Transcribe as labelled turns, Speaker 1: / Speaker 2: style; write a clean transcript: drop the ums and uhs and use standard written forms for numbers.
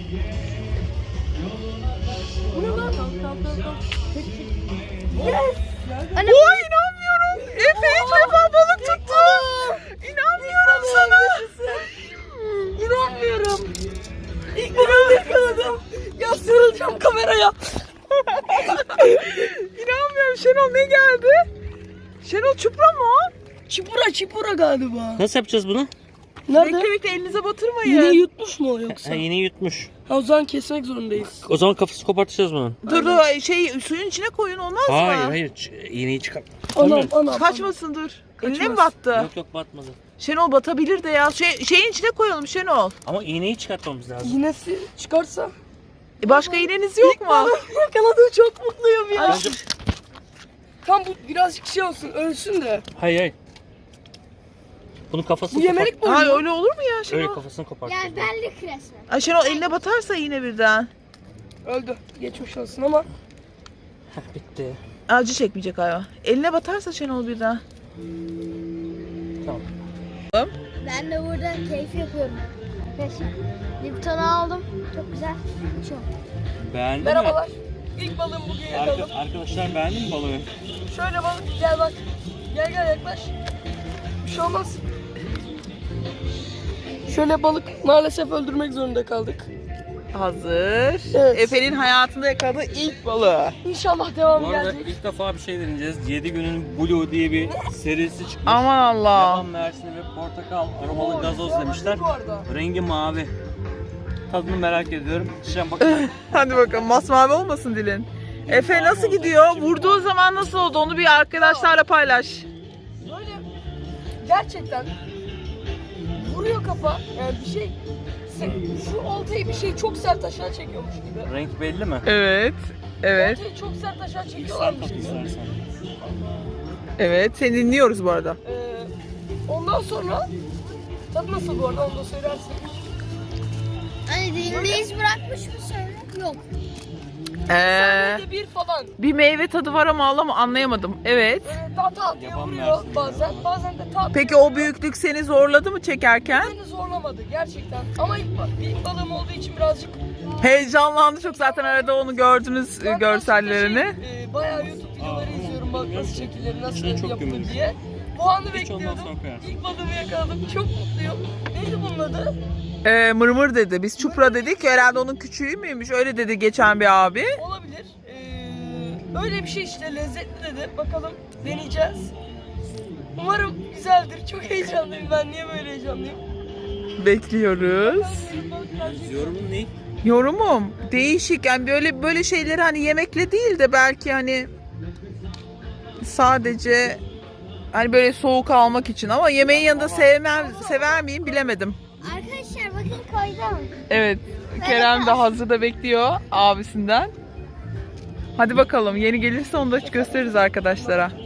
Speaker 1: Bu ne lan?
Speaker 2: Yes.
Speaker 1: Oy inanmıyorum. Efe ilk defa balık tuttu. İnanmıyorum sana.
Speaker 2: İnanmıyorum. İlk balığı yakaladım. Ya sarılacağım kameraya.
Speaker 1: İnanmıyorum. Şenol ne geldi? Şenol çupra mı o?
Speaker 2: Çipura galiba.
Speaker 3: Nasıl yapacağız bunu?
Speaker 2: Nerede?
Speaker 1: Bekle bekle elinize batırmayın.
Speaker 2: Yine yutmuş mu o yoksa?
Speaker 3: Ha, iğneyi yutmuş.
Speaker 2: Ha, o zaman kesmek zorundayız.
Speaker 3: O zaman kafası kopartacağız bunun.
Speaker 1: Dur dur suyun içine koyun olmaz mı?
Speaker 3: Hayır iğneyi çıkar.
Speaker 2: Anam.
Speaker 1: Kaçmasın dur. Eline mi
Speaker 2: Kaçmaz.
Speaker 1: battı?
Speaker 3: Yok batmadı.
Speaker 1: Şenol batabilir de ya. Şeyin içine koyalım Şenol.
Speaker 3: Ama iğneyi çıkartmamız lazım.
Speaker 2: Yinesi çıkarsa.
Speaker 1: Başka iğneniz yok mu?
Speaker 2: Yakaladım, çok mutluyum ya.
Speaker 3: Bence...
Speaker 2: Tam bu birazcık şey olsun, ölsün de.
Speaker 3: Hayır. Bunun kafasını
Speaker 2: Bu yemelik mi
Speaker 1: Ay
Speaker 2: oluyor?
Speaker 1: öyle olur mu ya
Speaker 3: Öyle
Speaker 1: Şenol?
Speaker 3: kafasını kopartacağız.
Speaker 4: Yani benlik resmen.
Speaker 1: Ay Şenol eline batarsa yine birden.
Speaker 2: Öldü. Geçmiş olsun ama.
Speaker 3: Bitti.
Speaker 1: Acı çekmeyecek hayvan. Eline batarsa Şenol birden.
Speaker 3: Tamam.
Speaker 4: Ben de burada keyif yapıyorum. Arkadaşlar Lipton'u aldım. Çok güzel. Çok.
Speaker 3: Beğendin
Speaker 2: Merhabalar. İlk balığım bugün yakaladım.
Speaker 3: Arkadaşlar beğendin mi balığı?
Speaker 2: Şöyle balık, gel bak. Gel yaklaş. Bir şey olmaz. Şöyle balık maalesef öldürmek zorunda kaldık.
Speaker 1: Hazır.
Speaker 2: Evet.
Speaker 1: Efe'nin hayatında yakaladığı ilk balığı.
Speaker 2: İnşallah devam
Speaker 3: Bu arada
Speaker 2: gelecek.
Speaker 3: ilk defa bir şey deneyeceğiz. 7 günün Blue diye bir serisi çıkmış.
Speaker 1: Aman Allah.
Speaker 3: Yaban mersini ve portakal aromalı gazoz demişler.
Speaker 2: Bu arada.
Speaker 3: Rengi mavi. Tadını merak ediyorum. Şişen bakalım.
Speaker 1: Hadi bakalım masmavi olmasın dilin. Efe nasıl gidiyor? Vurduğu zaman nasıl oldu? Onu bir arkadaşlarla paylaş.
Speaker 2: Böyle gerçekten vuruyor kafa. Yani bir şey, şu oltayı bir şey çok sert aşağı çekiyormuş gibi.
Speaker 3: Renk belli mi?
Speaker 1: Evet. Evet.
Speaker 2: Oltayı çok sert aşağı
Speaker 3: Sen
Speaker 2: çekiyorlarmış
Speaker 3: tat
Speaker 2: gibi.
Speaker 3: istersen.
Speaker 1: Evet. Seni dinliyoruz bu arada.
Speaker 2: Ondan sonra tadı nasıl bu arada, onu da söylersin.
Speaker 4: Hani dilinde iz bırakmış mı söyle? Yok.
Speaker 2: Saniyede bir falan.
Speaker 1: Bir meyve tadı var ama anlayamadım. Evet.
Speaker 2: Ta diye
Speaker 3: Yaban
Speaker 2: vuruyor
Speaker 3: mersini
Speaker 2: bazen.
Speaker 3: galiba.
Speaker 2: Bazen de ta.
Speaker 1: Peki o büyüklük seni zorladı mı çekerken?
Speaker 2: Beni zorlamadı gerçekten. Ama ilk balığım olduğu için birazcık.
Speaker 1: Heyecanlandı çok, zaten arada onu gördünüz görsellerini.
Speaker 2: Bayağı YouTube videoları izliyorum, balık nasıl çekilir, nasıl
Speaker 3: İçine çok
Speaker 2: yapılır
Speaker 3: gömülür.
Speaker 2: diye. Bu anı
Speaker 3: Hiç ondan
Speaker 2: bekliyordum.
Speaker 3: sonra koyarsın.
Speaker 2: İlk balığımı yakaladım. Çok mutluyum. Neydi bunun adı?
Speaker 1: Mırmır dedi. Biz çupra dedik. Herhalde onun küçüğü müymüş? Öyle dedi geçen bir abi.
Speaker 2: Olabilir. Öyle bir şey işte, lezzetli dedi. Bakalım, deneyeceğiz. Umarım güzeldir. Çok heyecanlıyım ben. Niye böyle heyecanlıyım?
Speaker 1: Bekliyoruz.
Speaker 3: Yorumun ne?
Speaker 1: Yorumum değişik. Yani böyle şeyleri hani yemekle değil de belki hani sadece hani böyle soğuk almak için, ama yemeğin yanında sever miyim bilemedim.
Speaker 4: Arkadaşlar bakın koydum.
Speaker 1: Evet. Kerem de hazırda bekliyor abisinden. Hadi bakalım, yeni gelirse onu da gösteririz arkadaşlara.